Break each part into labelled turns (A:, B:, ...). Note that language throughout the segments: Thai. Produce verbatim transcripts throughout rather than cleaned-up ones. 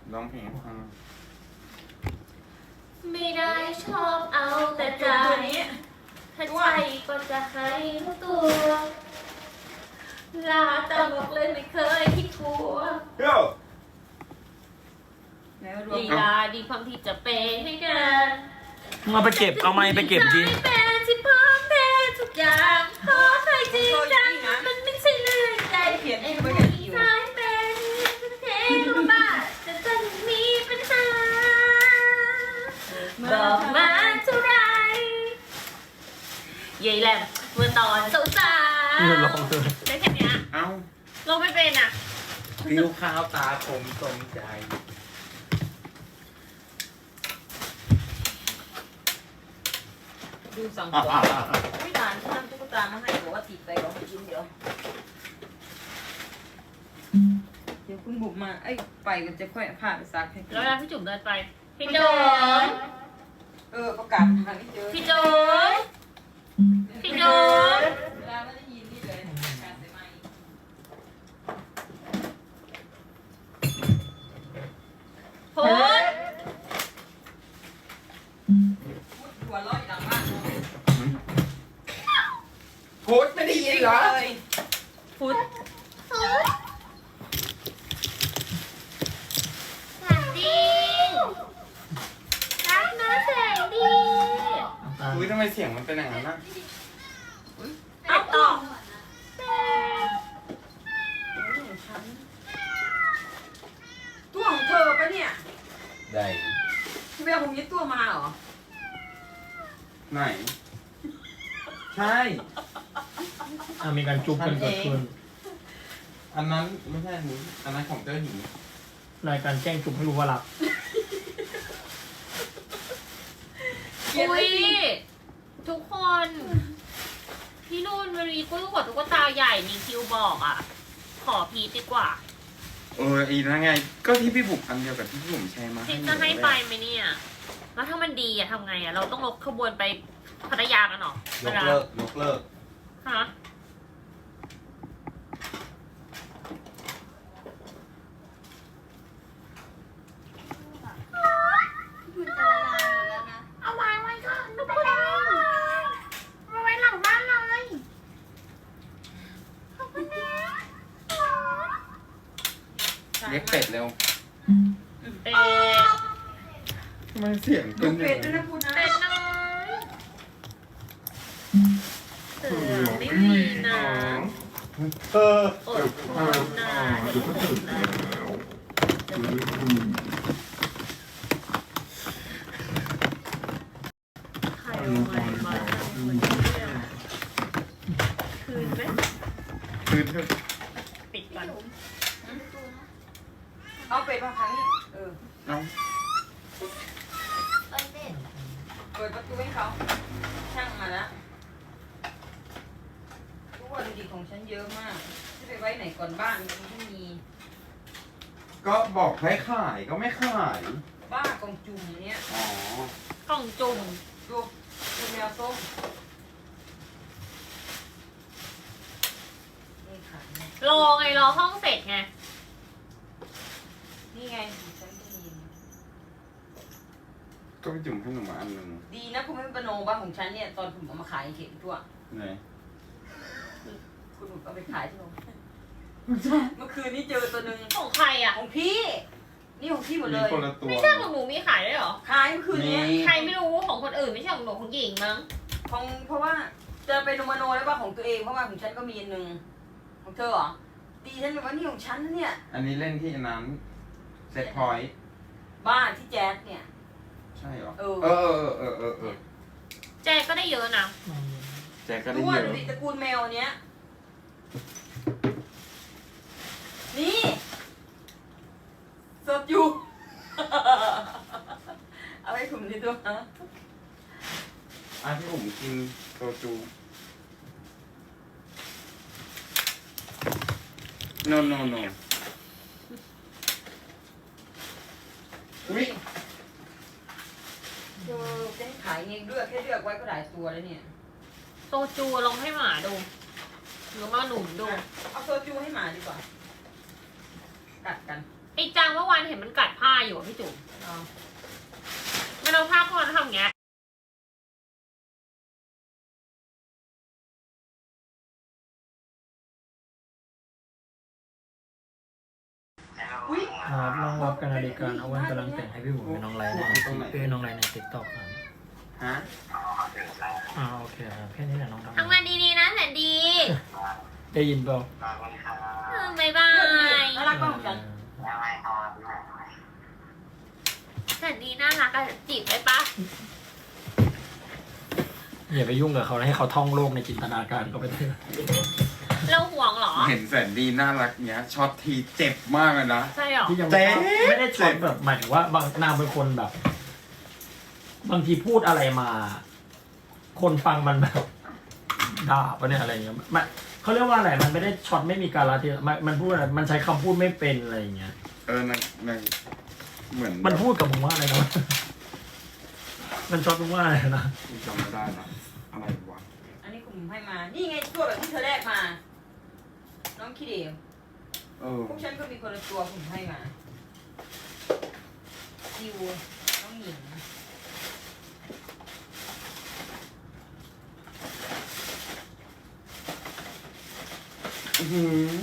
A: ร้องเพลงให้ฟัง
B: ไม่ได้ชอบเอาแต่ใจถ้าใจก็จะให้รู้ตัวลาตลกเลยไม่เคยคิดกลัว
A: โย่
B: ลีลาดีความที่จะเปย์ให้กัน
C: มึงเอาไปเก็บเอาไม้ไปเก็บดิ
B: เป็นที่พร้อมเพย์ทุกอย่างขอใครจริงจังมันไม่ใช่เรื่องใจเขียนไอ้ผู้หญิงสายเป็นเทรู้บ้าจะจะมีปัญหาบอกมาเท่าไรยายแหลมเมื่อตอนสาวสา
C: เลือดร้องเลย
B: ได้แค่เนี้ย
A: เอ้า
B: ลงไม่เป็นอ่ะ
A: ผิวขาวตาคมสมใจ
D: ดูสั่งตัวไม่นานที่นำตุ๊กตามาให้บอกว่าติดไปบอกให้ชิ้นเดียวเดี๋ยวคุณบุกมาไอ้ไปก็จะค่อยพาไปซักให้
B: แล้วเวลาพี่จุ๋มเดินไปพี่จุ๋ม
D: เออประกาศทางนี้เจอ
B: พี่จุ๋มพี่จุ๋ม
D: เวลาไม่ได้ยินนี่เลยการใส่ไม้
B: พุทธ
D: พูดหัวเราะอยู่หลังบ้าน
A: พุทธไม่ได้ยินเหรอ
B: พุทธ
E: สวัสดีรักนะแสงดี
A: อุ้ยทำไมเสียงมันเป็นอย่างนั้นนะ
B: เอาต่อ
D: ตัวของเธอปะเนี่ย
A: ได้
D: ที่ไปเอาผมยึดตัวมาเหรอ
A: ไหน ใช่
C: อ่ะมีการจุบกันเกิดขึ้น
A: อันนั้นไม่ใช่อันนี้อันนั้นของเจ้าหญิง
C: รายการแจ้งจุบให้รู้ว่าหลับ
B: อุ้ยทุกคน พี่นุ่นวันนี้กุ้ยขอตุ๊กตาใหญ่มีคิวบอกอ่ะ ขอพีชดีกว่า
A: เอออีนั่นไง ก็ที่พี่บุกอันเดียวกับที่พี่บุ๋มแชร์มา
B: พีช
A: หนู
B: จะให้ไป
A: เลย
B: ไหมเนี่ย แล้วถ้ามันดีอะทำไงอะเราต้องลกขบวนไปพัทยากันเหรอย
A: กเลิกยกเลิก
B: ฮะ
E: มันจะละลายหมดแล้วนะ เอาวางไว้ก่อนไม่เป็นไรมาไว้หลังบ้านเลยขอบคุณนะ
A: เรียกเป็ดเร็ว
B: เป็ด
A: ทำไมเสียง
D: ดู
A: เป็นอ
D: เป็
A: ย่า
D: ด
A: ง
D: ด้วย
A: นั้น
D: นะพูดนะ
B: เป็ดน้อยเสือไม่มีนะ
A: เออ
B: อดทนนะเดี๋ยวก็ถึงแล้วใครเอาไม้มาทำคนเนี่ยคืนไหม
A: คือเธอ
B: ปิดก่อน
D: เอาเป็ดมาครั้งนี้เออ
A: เอา
E: เอ้ยเด็ด
D: เปิดประตูให้เขาช่างมาแล้วทุกวันดีของฉันเยอะมากจะไปไว้ไหนก่อนบ้านมันไม่มี
A: ก็บอกให้ขายก็ไม่ขาย
D: บ้ากองจุ่มเนี้ย
A: อ๋อก
B: ล่องจุ่ม
D: ดูดูแมวส้มนี่ค่ะเนี่ย
B: รอไงรอห้องเสร็จไง
D: นี่ไงฉันได้ยิน
A: ก็ไปจุ่มให้หนูมาอันหนึ่ง
D: ดีนะคุณไม่เป็นโนบ้านของฉันเนี่ยตอนคุณเอามาขายเข็มทั่ว
A: ไหน
D: คุณหนูเอาไปขายที่โรงเมื่อคืนนี้เจอตัวหนึ่ง
B: ของใครอ่ะ
D: ของพี่ นี่ของพี่หมด
A: มี
D: เลย
A: คนละตัว
B: ไม่ใช่ของหนูมีขายด้วยเหรอ
D: ขายเมื่อคืนนี้
A: มี
B: ใครไม่รู้ของคนอื่นไม่ใช่ของหนูของหญิงมั้ง
D: ของเพราะว่าจะไปโนมาโนแล้วว่าของตัวเองเพราะว่าของฉันก็มีอันหนึ่งของเธอเหรอดีฉันเลยว่านี่ของฉันนะเนี่ย
A: อันนี้เล่นที่อันนั้นเซตพอยต์
D: บ้านที่แจ๊สเนี่ย
A: ใช่เหรอ
D: เออ
A: เออเออเออเออเออ
B: แจก็ได้เยอะนะ
A: แจ็คก็ได้
D: ด้ว
A: เย
D: ย
A: อะ
D: ดิตระกูลแมวเนี้ยนี่สดอยู่ เอาให้ผมดีตัวนะ
A: อ่ะที่ผมกินโซจูโนโนโนอุ้ย
D: เธอจะให้ขายเองด้วยแค่เลือกไว้ก็หลายตัวแล้วเนี่ย
B: โซจูลองให้หมาดูหรือมาหนุ่มดู
D: เอาโซจูให้หมาดีกว่า กัดกัน
B: ไอ้จางเมื่อวานเห็นมันกัดผ้าอยู่อะพี่จุ๋มมันเอาผ้าคนทำอย่างเงี้ย
D: อุ้ย
C: ครับน้องรับกันนาฬิกาเอาไว้กำลังแต่งให้พี่บุ๋มเป็นน้องไลน์ในเป็นน้องไลน์ในติ๊กต็อกครับ
A: ฮะ
C: อ่าโอเคครับแค่นี้แหละน้องทำ
B: ทำงานดีๆนะแสนดี
C: ได้ยินเปล่า
B: เออบายบาย
D: น่ารักมากของฉัน
B: แสนดีน่ารักอะจีบได้ปะ
C: อย่าไปยุ่งกับเขานะให้เขาท่องโลกในจินตนาการเขาไปเถอะ
B: เราห่วงเหรอ
A: เห็นแสนดีน่ารักเนี้ยช็อตทีเจ็บมากเลยนะ
B: ใช่เหรอ
C: ที่ยัง
A: เจ๊
C: ไม่ได้ช็อตแบบหมายถึงว่าบางนางเป็นคนแบบ บางทีพูดอะไรมา คนฟังมันแบบด่าปะเนี่ยอะไรเงี้ยมันเขาเรียกว่าอะไรมันไม่ได้ช็อตไม่มีการละเทศะมันมันพูดอะไรมันใช้คำพูดไม่เป็นอะไรอย่างเงี้ย
A: เออในในเหมือน
C: มันพูดกับมึงว่าอะไรนะ มันช็อตมึงว่าอะไรนะ
A: จำไม่ได้นะอะไรวะ
D: อันนี้ผมให้มา นี่ไงตัวแบบที่เธอแรกมา น้องคิดเอง
A: เออ
D: พวกฉันก็มีคนละตัวผมให้มาซิวน้องหญิง
A: อื้อหือ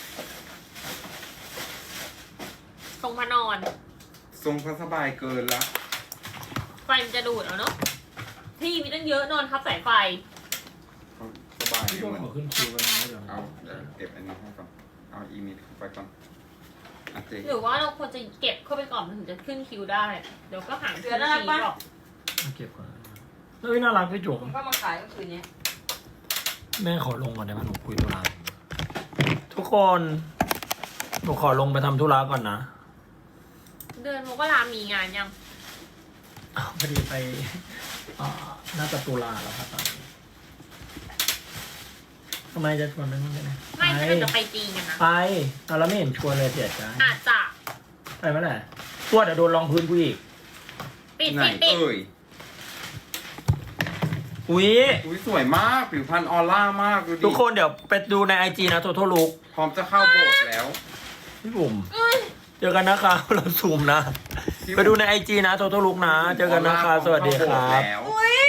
B: ทรงพระนอน
A: ทรงพระสบายเกินละ
B: ไฟมันจะดูดเอาเนาะที่มีตั้งเยอะนอนทับสายไฟ
A: เขาสบาย
C: พี่
A: เห
C: ก็
A: มือน
C: ขอขึ้นคิวไว้นะเดี๋ยว
A: เอาเดี๋ยวเก็บอันนี้ให้ก่อนเอาอีเมลเข้าไปก่อนอ่ะเจ๊
B: หรือว่าเราควรจะเก็บเข้าไปก่อนมันถึงจะขึ้นคิวได้ เดี๋ยวก็หาง
D: เสือน่ารักปะ
B: หรอก
C: เก็บก่อนเฮ้ยน่ารักพี่จุ๋
D: ผม มก็มาขายเมื่อคืนนี้
C: แม่ขอลงก่อนได้ไหมหนูคุยธุระทุกคนหนูขอลงไปทำธุระก่อนนะ
B: เดือนมกรามีงานยัง
C: อ้าวพอดีไปอ่าน่าจะตุลาแล้วครับตอนนี้ทำไมจะชวนไปนู่นได้ไหม
B: ไม่ใช่เราจะไปจีนกันนะ
C: ไปเอาแล้วไม่เห็นชวนเลยเสียใจ
B: อาจจะ
C: ไปเมื่อไหร่ตัวเดี๋ยวโดนรองพื้นกูอีก
B: ปิด
A: ไหน
B: ปิดปิด
A: เอ่ย
C: อุ้ย
A: อุ้ยสวยมากผิวพรรณออร่ามากดูดิ
C: ทุกคนเดี๋ยวไปดูในไอจีนะโทโทลุก
A: พร้อมจะเข้าโบสถ์แล้ว
C: พี่บุ๋ม
B: เอ้ย
C: เจอกันนะคะ เราซูมนะ ไปดูในไอจีนะโทโทลุกนะ เจอกันนะคะ สวัสดีครับ
A: แล้ว
D: อุ้ย